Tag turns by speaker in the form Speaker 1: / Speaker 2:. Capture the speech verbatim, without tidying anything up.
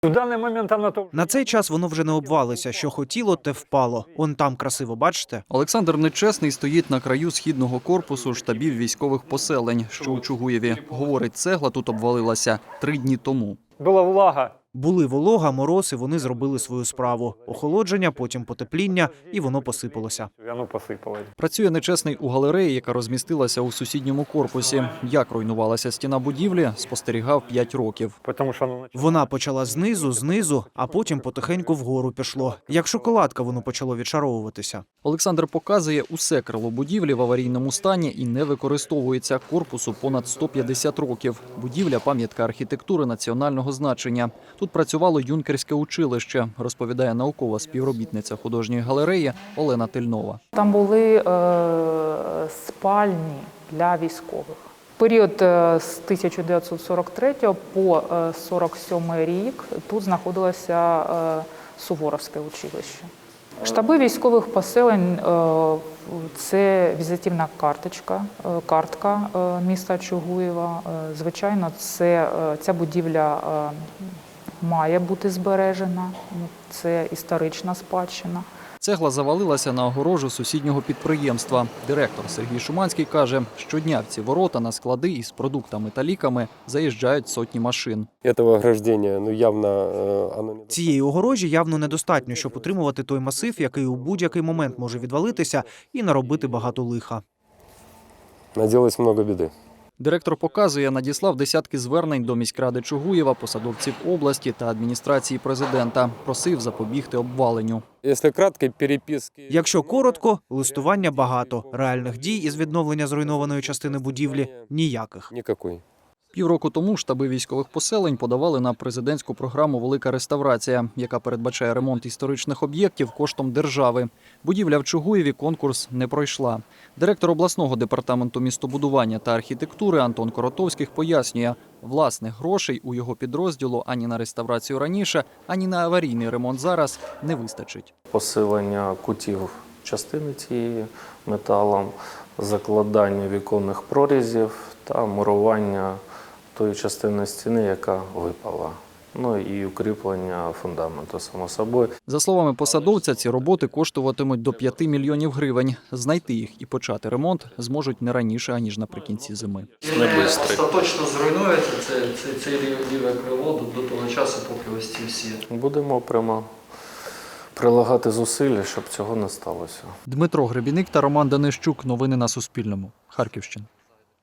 Speaker 1: В даний момент вона то...
Speaker 2: На цей час воно вже не обвалиться. Що хотіло, те впало. Он там красиво, бачите?
Speaker 3: Олександр Нечесний стоїть на краю східного корпусу штабів військових поселень, що у Чугуєві. Говорить, цегла тут обвалилася три дні тому.
Speaker 1: Була влага.
Speaker 2: Були волога, мороз, і вони зробили свою справу. Охолодження, потім потепління, і воно посипалося.
Speaker 1: Воно посипалось.
Speaker 3: Працює Нечесний у галереї, яка розмістилася у сусідньому корпусі. Як руйнувалася стіна будівлі, спостерігав п'ять років.
Speaker 1: Тому що воно...
Speaker 2: Вона почала знизу, знизу, а потім потихеньку вгору пішло. Як шоколадка воно почало відшаровуватися.
Speaker 3: Олександр показує, усе крило будівлі в аварійному стані і не використовується. Корпусу понад сто п'ятдесят років. Будівля – пам'ятка архітектури національного значення. Тут працювало юнкерське училище, розповідає наукова співробітниця художньої галереї Олена Тельнова.
Speaker 4: Там були е, спальні для військових. Період е, з тисяча дев'ятсот сорок третього по е, сорок сьомий рік тут знаходилося е, Суворовське училище. Штаби військових поселень е, – це візитівна карточка, е, картка е, міста Чугуєва. Е, звичайно, це, е, ця будівля е, має бути збережена, це історична спадщина.
Speaker 3: Цегла завалилася на огорожу сусіднього підприємства. Директор Сергій Шуманський каже, щодня в ці ворота на склади із продуктами та ліками заїжджають сотні машин.
Speaker 5: Этого ограждения, ну, явно э, оно не...
Speaker 2: Цієї огорожі явно недостатньо, щоб утримувати той масив, який у будь-який момент може відвалитися і наробити багато лиха.
Speaker 5: Наделалось много беды.
Speaker 3: Директор показує, надіслав десятки звернень до міськради Чугуєва, посадовців області та адміністрації президента. Просив запобігти обваленню.
Speaker 5: Если кратко, переписки...
Speaker 2: Якщо коротко, листування багато. Реальних дій із відновлення зруйнованої частини будівлі – ніяких.
Speaker 5: Никакой.
Speaker 3: Півроку тому штаби військових поселень подавали на президентську програму «Велика реставрація», яка передбачає ремонт історичних об'єктів коштом держави. Будівля в Чугуєві конкурс не пройшла. Директор обласного департаменту містобудування та архітектури Антон Коротовських пояснює, власних грошей у його підрозділу ані на реставрацію раніше, ані на аварійний ремонт зараз не вистачить.
Speaker 6: Посилення кутів частини цієї металом, закладання віконних прорізів та мурування тої частини стіни, яка випала. Ну і укріплення фундаменту, само собою.
Speaker 3: За словами посадовця, ці роботи коштуватимуть до п'яти мільйонів гривень. Знайти їх і почати ремонт зможуть не раніше, аніж наприкінці зими.
Speaker 7: Не остаточно зруйнується це, це, це ліве крило до того часу, поки ось ці всі.
Speaker 6: Будемо прямо прилагати зусилля, щоб цього не сталося.
Speaker 3: Дмитро Гребіник та Роман Данищук. Новини на Суспільному. Харківщина.